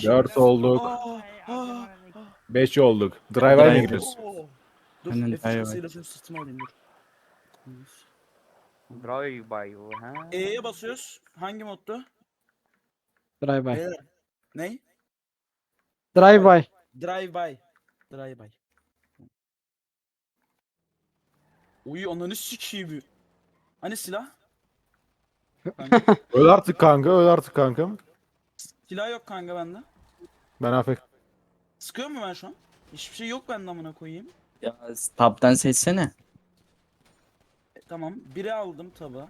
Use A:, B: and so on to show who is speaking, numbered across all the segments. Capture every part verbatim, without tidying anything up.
A: dört olduk.
B: Aa, aa, aa.
A: beş olduk. Drive'a mı
C: Drive.
A: giriyoruz?
B: Oo. Dur
C: Aynen,
B: F üç
C: drive
B: basıyla şunu sırtıma alayım dur.
D: Drive by you ha.
B: E'ye basıyoruz. Hangi moddu?
C: Drive by.
B: Beyler. Ney?
C: Drive by.
B: Drive by. Drive by. Uy ananı sikeyim. Hani silah? Kanka.
A: Öl artık kanka, öl artık kankam.
B: Silah yok kanka bende.
A: Ben afek.
B: Sıkıyor mu ben şu an? Hiçbir şey yok bende amına koyayım.
C: Ya tab'dan seçsene.
B: E, tamam. Biri aldım tabi.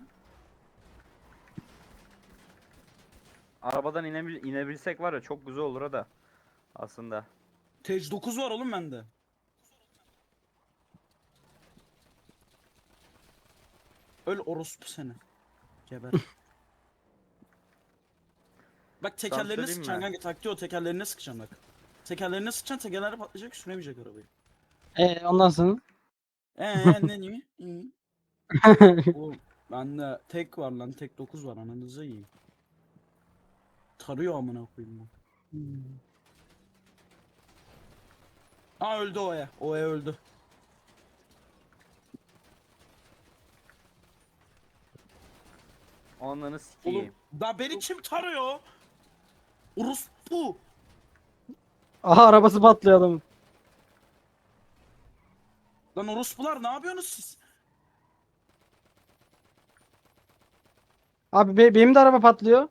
D: Arabadan inebil inebilsek var ya çok güzel olur ha da. Aslında.
B: Tej dokuz var oğlum bende. Öl orospu seni. Geber. Bak tekerlerine
D: söyleyeyim
B: sıkacaksın
D: mi?
B: kanka. Taktiği o tekerlerine sıkacaksın bak. Tekerlerine sıkacaksın tekerler patlayacak süremeyecek arabayı.
C: Ee, ondan sonra.
B: Eee ne niye? İyi. Oğlum bende tek var lan tek dokuz var ananıza iyi. Tarıyor amına koyayım bu. Aa öldü Oya. Oya öldü.
D: Onları
B: Oğlum
D: sikeyim.
B: da beni kim tarıyor? Orospu.
C: Aha arabası patlıyor adamın.
B: Lan orospular ne yapıyorsunuz siz?
C: Abi be- benim de araba patlıyor.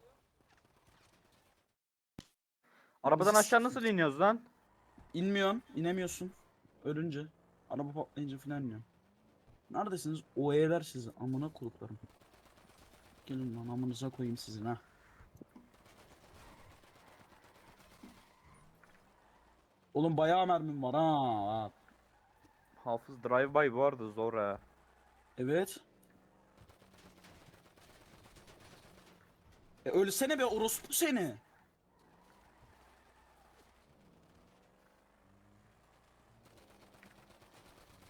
D: Arabadan aşağı nasıl iniyoruz lan?
B: İnmiyorsun, inemiyorsun. Ölünce. Araba patlayınca falan iniyorsun. Neredesiniz? O'yeler sizi. Amına kuluklarım. Gelin lan amınıza koyayım sizin ha. Oğlum bayağı mermim var ha.
D: Hafız drive by bu arada zor ha.
B: Evet. E ölsene be orospu seni.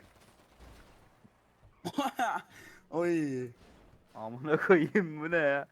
B: Oy.
D: Amına koyayım bu ne ya?